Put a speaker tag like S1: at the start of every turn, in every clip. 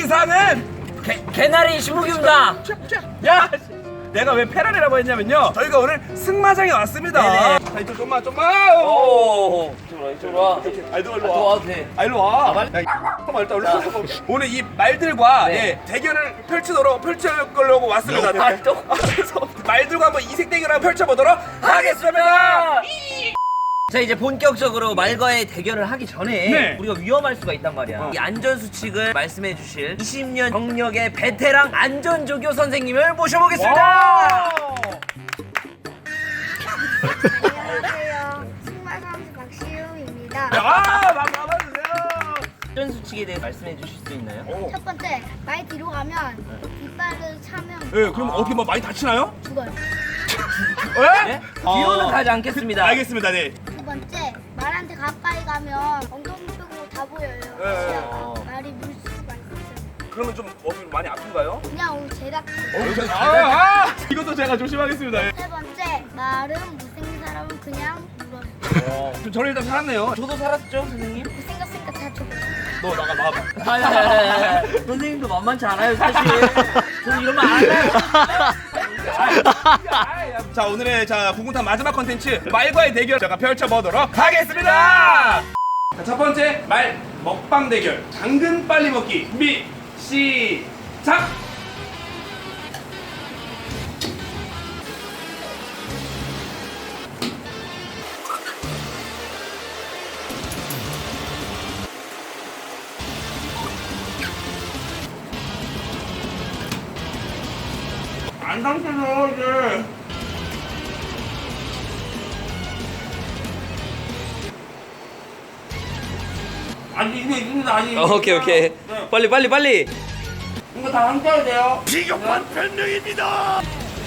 S1: 이상은
S2: 개나리 신무규입니다.
S1: 야! 내가 왜 페라리라고 했냐면요. 저희가 오늘 승마장에 왔습니다.
S2: 네네.
S1: 자, 이쪽 좀만.
S2: 오, 이쪽으로 와.
S1: 일로 와.
S2: 와도 돼.
S1: 일로 와.
S2: 말-
S1: 야, 잠깐만, 일단 올라. 오늘 이 말들과
S2: 네.
S1: 대결을 펼치려고 왔습니다.
S2: 또?
S1: 그래서 말들과 한번 이색 대결을 펼쳐보도록 하겠습니다.
S2: 자, 이제 본격적으로 말과의 대결을 하기 전에
S1: 네.
S2: 우리가 위험할 수가 있단 말이야. 이 안전수칙을 말씀해 주실 20년 경력의 베테랑 안전조교 선생님을 모셔보겠습니다.
S3: 안녕하세요. 승마 선수 박시웅입니다.
S1: 반갑주세요.
S2: 안전수칙에 대해 말씀해 주실 수 있나요?
S3: 첫 번째, 말 뒤로 가면 뒷발을 차면
S1: 네, 그럼 어떻게 뭐 많이 다치나요?
S3: 죽어요.
S2: 네? 뒤로는 가지 않겠습니다.
S1: 알겠습니다. 네.
S3: 두 번째, 말한테 가까이 가면 엉덩이 쪽으로 다 보여요. 시야가. 말이 물 수가 있어요.
S1: 그러면 좀 많이 아픈가요?
S3: 그냥 오늘 제작.
S1: 이것도 제가 조심하겠습니다.
S3: 세 번째, 말은 못생긴 사람은 그냥 물어요.
S1: 저는 일단 살았네요.
S2: 저도 살았죠, 선생님?
S3: 못생겼으니까 다 죽어요.
S1: 너 나가봐.
S2: 선생님도 만만치 않아요, 사실. 저는 이러면 안 해요.
S1: 자, 오늘의 구군탄 마지막 컨텐츠 말과의 대결 제가 펼쳐보도록 하겠습니다. 자, 첫 번째 말 먹방 대결 당근 빨리 먹기 준비 시작. 안 당겨져 이제. 아니 이게 있습니다. 아니
S2: 오케이.
S1: 네.
S2: 빨리.
S1: 이거 다 함께해야 돼요. 비겁한 변명입니다.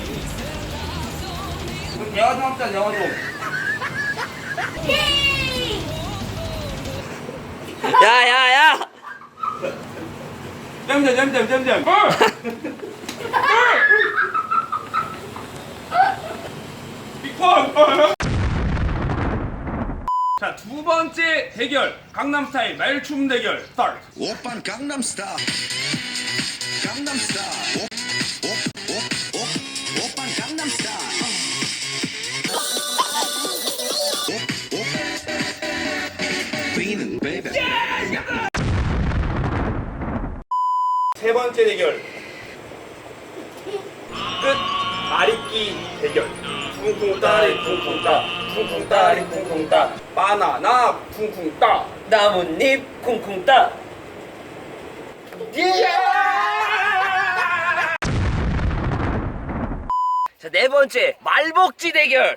S1: 이거 내가 좀 합시다. 내가 좀.
S2: 야.
S1: 잼잼. 빅펀. 자, 두 번째 대결 강남스타일 말춤 대결 스타트.
S4: 오빤 강남스타일 강남스타일 오빤 강남스타일 Queen baby
S1: 세 번째 대결 끝 말잇기 대결 쿵쿵따리 쿵쿵따 바나나 쿵쿵따
S2: 나뭇잎 쿵쿵 따. 자, 네 번째 말복지 대결.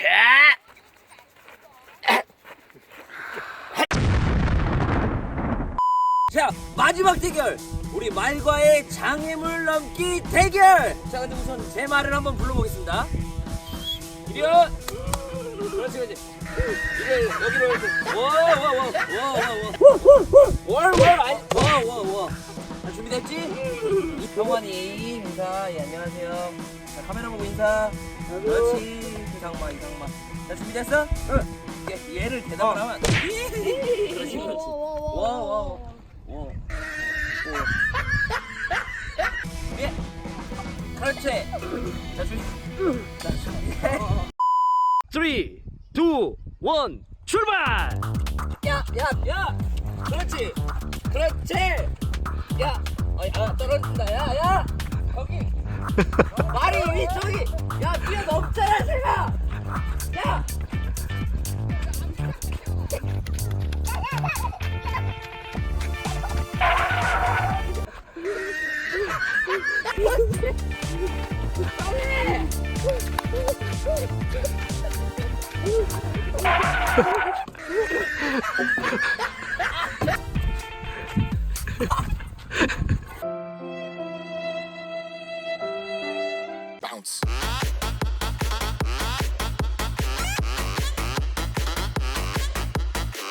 S2: 자, 마지막 대결. 우리 말과의 장애물 넘기 대결. 자, 근데 우선 제 말을 한번 불러보겠습니다. 이리온. 그렇지. 이걸 여기로 이렇게. 와. 자, 준비됐지? 이병환이 인사. 예, 안녕하세요. 자, 카메라 보고 인사. 그렇지. 이상마. 자, 준비됐어? 응. 얘를 대답을 하면. 그렇지. 와. 예. 그렇지. 자, 준비해.
S5: 3, 2, 1, 출발!
S2: 야. 그렇지. 야. 떨어진다. 야. 거기. 말이 이쪽이. 야, 뛰어넘잖아, 제가. 야.
S4: Bounce